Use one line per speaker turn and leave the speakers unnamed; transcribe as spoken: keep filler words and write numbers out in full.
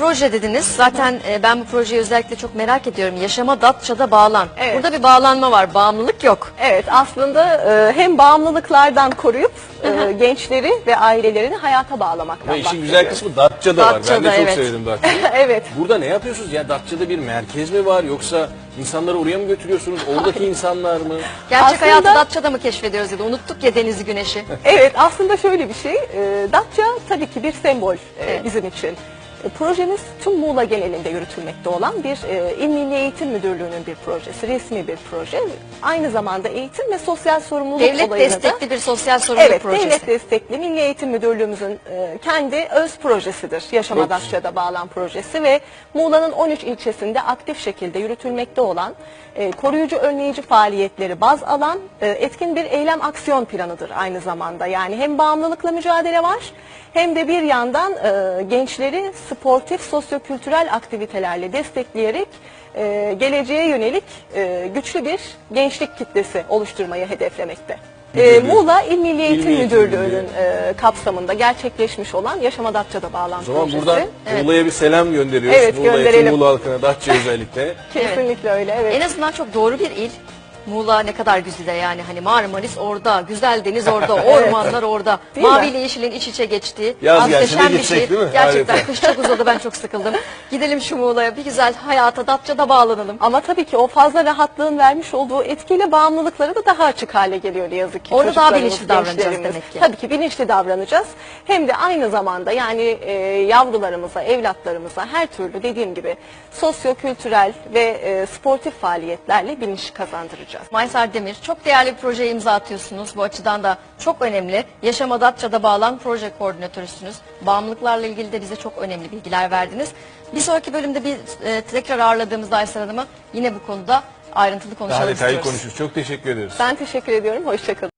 proje dediniz. Zaten e, ben bu projeyi özellikle çok merak ediyorum. Yaşama Datça'da bağlan.
Evet.
Burada bir bağlanma var. Bağımlılık yok.
Evet, aslında e, hem bağımlılıklardan koruyup e, gençleri ve ailelerini hayata bağlamaktan
Ve işin
bahsediyoruz.
güzel kısmı Datça'da var. Ben
Datça'da,
de çok
evet.
sevdim Datça'yı.
Evet.
Burada ne yapıyorsunuz? Ya Datça'da bir merkez mi var yoksa insanları oraya mı götürüyorsunuz? Oradaki insanlar mı?
Gerçek
Aslında-
hayatı Datça'da mı keşfediyoruz ya da unuttuk ya denizi güneşi.
Evet, aslında şöyle bir şey. E, Datça tabii ki bir sembol e,
Evet.
bizim için. E, projemiz tüm Muğla genelinde yürütülmekte olan bir e, İl Milli Eğitim Müdürlüğü'nün bir projesi, resmi bir proje. Aynı zamanda eğitim ve sosyal sorumluluk
Devlet
olayını da...
destekli bir sosyal sorumluluk
Evet,
projesi.
devlet destekli Milli Eğitim Müdürlüğümüzün e, kendi öz projesidir. Yaşama
Çok
Datça'da bağlan projesi ve Muğla'nın on üç ilçesinde aktif şekilde yürütülmekte olan e, koruyucu önleyici faaliyetleri baz alan e, etkin bir eylem aksiyon planıdır aynı zamanda. Yani hem bağımlılıkla mücadele var hem de bir yandan e, gençleri sportif, sosyokültürel aktivitelerle destekleyerek e, geleceğe yönelik e, güçlü bir gençlik kitlesi oluşturmayı hedeflemekte. Ee,
Müdürlüğü.
Muğla İl Milli Eğitim
Eğitim
Müdürlüğü'nün e, kapsamında gerçekleşmiş olan Yaşama Datça'da bağlan
O zaman
projesi.
buradan
Evet.
Muğla'ya bir selam gönderiyoruz.
Evet,
Muğla
gönderelim.
için, Muğla halkına, Datça özellikle.
Kesinlikle öyle, evet.
En azından çok doğru bir il. Muğla ne kadar güzel yani hani Marmaris orada, güzel deniz orada, ormanlar orada,
Değil mi?
maviyle yeşilin iç içe geçtiği
Yaz gelse de
muhteşem bir
gitsek
şey.
değil mi?
Gerçekten
Harika.
kış çok uzadı, ben çok sıkıldım. Gidelim şu Muğla'ya, bir güzel hayata Datça'da bağlanalım.
Ama tabii ki o fazla rahatlığın vermiş olduğu etkiyle bağımlılıkları da daha açık hale geliyor ne yazık ki.
Orada daha
çocuklarımız,
bilinçli davranacağız
gençlerimiz.
demek ki.
Tabii ki bilinçli davranacağız. Hem de aynı zamanda yani e, yavrularımıza, evlatlarımıza her türlü dediğim gibi sosyo-kültürel ve e, sportif faaliyetlerle bilinç kazandıracağız.
Maysar Demir, çok değerli bir projeye imza atıyorsunuz. Bu açıdan da çok önemli. Yaşama Datça'da bağlan proje koordinatörüsünüz. Bağımlılıklarla ilgili de bize çok önemli bilgiler verdiniz. Bir sonraki bölümde bir e, tekrar ağırladığımızda Aysel Hanım'ı yine bu konuda ayrıntılı
Daha
konuşalım
detaylı
istiyoruz.
konuşuruz. Çok teşekkür ederiz.
Ben teşekkür ediyorum. Hoşçakalın.